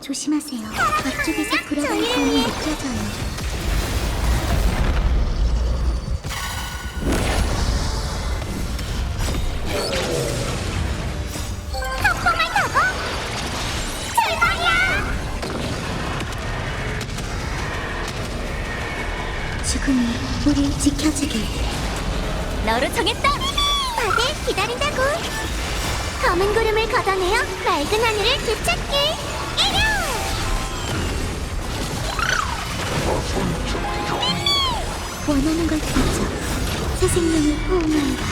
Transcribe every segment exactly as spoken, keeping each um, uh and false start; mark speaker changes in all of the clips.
Speaker 1: 조심하세요. 앞쪽에서 불어가는 공이 느껴져요. 죽음이 우릴 지켜주길.
Speaker 2: 너로 정했다!
Speaker 1: 다들 기다린다고. 검은 구름을 걷어내어 맑은 하늘을 되찾길. 이겨! 원하는 걸 되찾. 새 생명을 호응한다.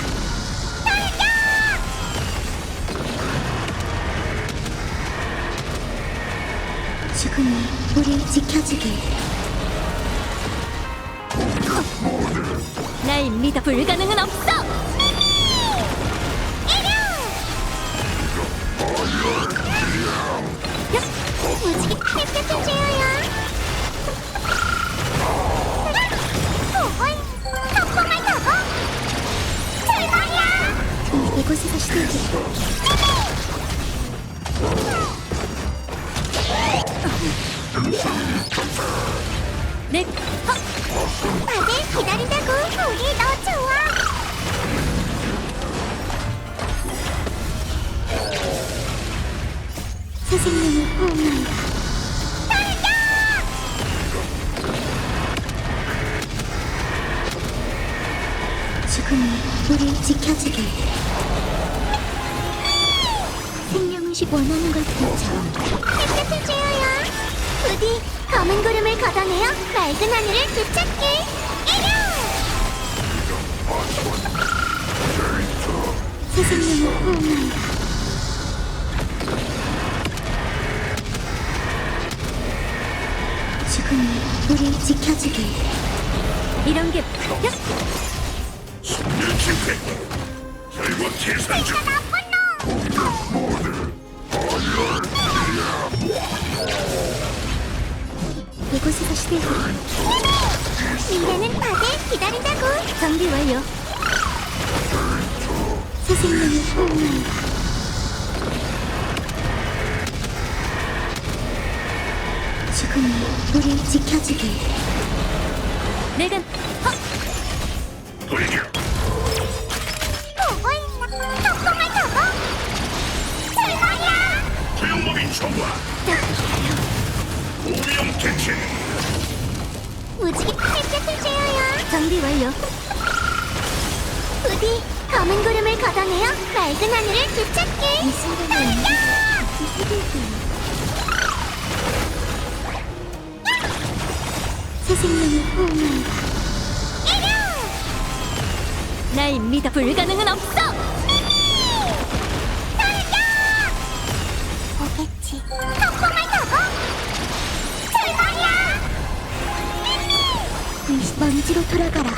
Speaker 1: 죽음이 우릴 지켜주길.
Speaker 2: 날 믿어 불가능은 없어!
Speaker 1: 무지개 햇볕을 쬐어요. 폭풍을 타고 출발이야. 이곳에서 시들기.
Speaker 2: 내 헉!
Speaker 1: 다들 기다린다고. 우리 너 좋아. 새 생명을 호응한다. 죽음이 우릴 지켜주길. 생명의식 원하는 걸 되찾. 햇볕을 쬐어요. 부디 검은 구름을 걷어내어 맑은 하늘을 되찾길. 이겨! 새 생명을 호응한다. 죽음이 우릴 지켜주길.
Speaker 2: 이런 게 야!
Speaker 3: 승리 집회 결국 계산 중
Speaker 1: 이곳에서 시들기. 미래는 다들 기다린다고.
Speaker 2: 정비 완료.
Speaker 1: 새 생명을 호응한다. 죽음이 우릴 지켜주길.
Speaker 2: 내가 헉!
Speaker 3: 돌격
Speaker 1: 보고 있나? 폭풍을 타고 출발이야.
Speaker 3: 소용법이 좋아 오염 개체
Speaker 1: 무지개 햇볕을 쬐어요.
Speaker 2: 정비 완료.
Speaker 1: 부디 검은 구름을 걷어내어 맑은 하늘을 되찾길. 이 순간에 시들기. 새 생명을 호응한다.
Speaker 2: 날 믿어 불가능은 없어!
Speaker 1: 오겠지. 폭풍을 타고 출발이야. 이 먼지로 돌아가라.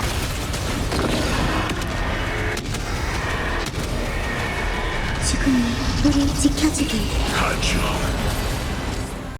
Speaker 1: 죽음이 우릴 지켜주길.
Speaker 3: 가죠